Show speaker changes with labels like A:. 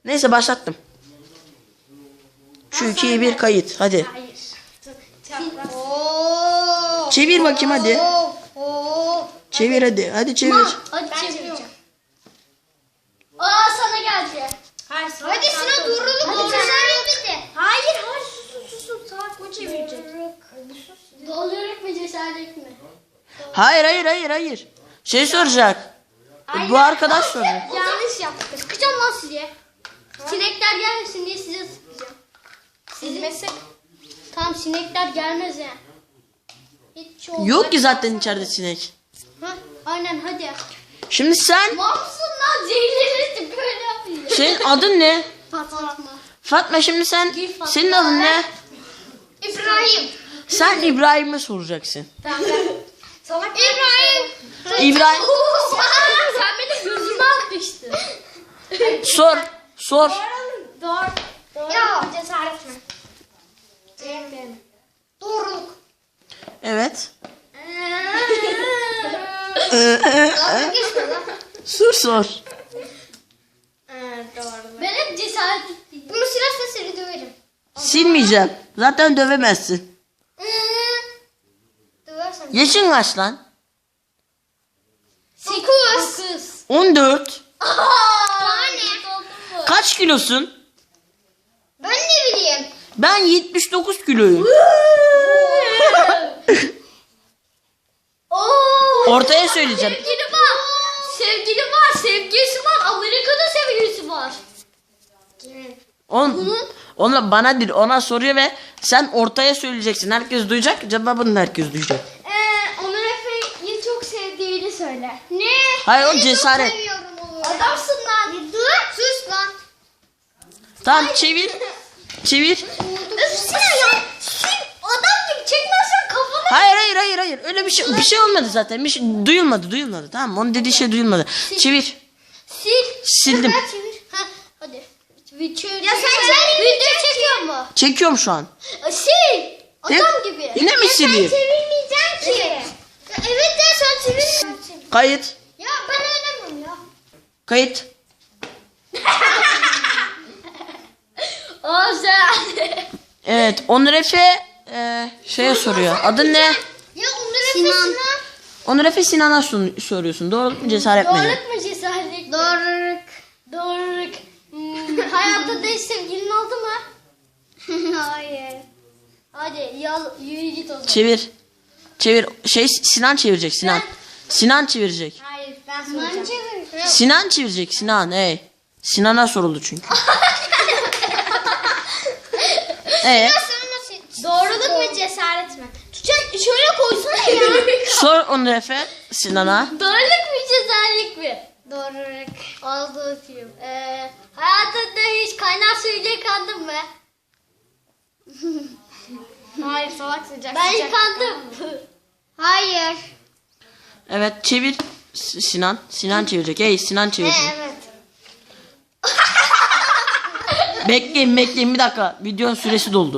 A: Neyse başlattım. 3, 2, 1 kayıt. Hadi.
B: Hayır.
A: Çevir bakayım hadi. Çevir hadi. Hadi çevir.
B: Hadi çeviriyorum. Aa sana geldi. Hayır sana. Hadi Sinan doğruluk. Hayır sus. Salak o çevirecek. Doğruluk mu cesaret mi?
A: Hayır. Şey soracak. Bu arkadaş soruyor.
B: Yanlış yaptık. Sıkacağım lan size. Sinekler gelmesin diye size sıkacağım. Sizmesi. Tamam sinekler gelmez ya. Hiç
A: Yok ki zaten içeride sinek.
B: Ha, aynen hadi.
A: Şimdi sen,
B: Mamsın lan zehirlenirsin böyle yapıyor.
A: senin adın ne?
B: Fatma.
A: Fatma, şimdi sen,
B: Gül Fatma.
A: senin adın ne?
B: İbrahim.
A: Sen İbrahim'e soracaksın.
B: Tamam ben. Salak İbrahim.
A: İbrahim.
B: Sen benim gözüme atmıştın.
A: Sor.
B: Doğru. Ya cesaret mi? Doğruluk.
A: Evet.
B: Dalga geçme lan.
A: Sor.
B: Doğru. Ben hep cesaret ettim. Bunu silersen seni döverim.
A: Silmeyeceğim. Zaten dövemezsin.
B: Döversen.
A: Yaşın kaç lan?
B: 8.
A: 14.
B: Tane.
A: Kaç kilosun?
B: Ben ne bileyim.
A: Ben 79 kiloyum. Ortaya söyleyeceğim.
B: Sevgili var. Sevgili var. Sevgilisi var. Amerika'da sevgilisi var.
A: Onunla bana değil, ona soruyor ve sen ortaya söyleyeceksin. Herkes duyacak. Cevabını herkes duyacak.
B: Onur Efe'yi çok sevdiğini söyle. Ne?
A: Hayır, o cesaret.
B: Adamsın lan. Dur. Sus lan.
A: Tamam, çevir.
B: Öfsene ya. Adam gibi çekmezsen kafanı.
A: Hayır. Öyle bir şey olmadı zaten. Bir şey duyulmadı. Tamam mı? Onun dediği şey duyulmadı. Çevir.
B: Sil.
A: Sildim.
B: Çevir. Ha, hadi. Ya sen video çekiyor mu?
A: Çekiyorum şu an.
B: Sil. Adam gibi.
A: Yine mi sileyim?
B: Çevirmeyeceğim ki. Ya evet de sen çevirmeyeceksin.
A: Kayıt.
B: Ya ben oynamam ya.
A: Kayıt.
B: O sen.
A: Evet. Onur Efe şeye soruyor. Adın ne?
B: Ya Onur Efe Sinan.
A: Onur Efe Sinan'a soruyorsun. Doğruluk mu cesaret mi?
B: Doğruluk mu cesaret? Doğruluk. Hayatta da hiç sevgilin oldu mu? Hayır. Hadi yürü git o zaman.
A: Çevir. Sinan çevirecek. Sinan çevirecek.
B: Hayır ben soracağım.
A: Sinan çevirecek. Hey. Sinan'a soruldu çünkü.
B: Doğruluk mu cesaret mi? Tutacak şöyle koysana ya.
A: Sor Onur Efe Sinan'a.
B: Doğruluk mu cesaret mi? Doğruluk. Ağzı öpeyim. Hayatında hiç kaynar suyla yıkandın mı? Hayır salak sıcak. Ben yıkandım. Hayır.
A: Evet, çevir. Sinan çevirecek. Hey, Sinan çevirecek.
B: Evet.
A: Bekleyin bir dakika. Videonun süresi doldu.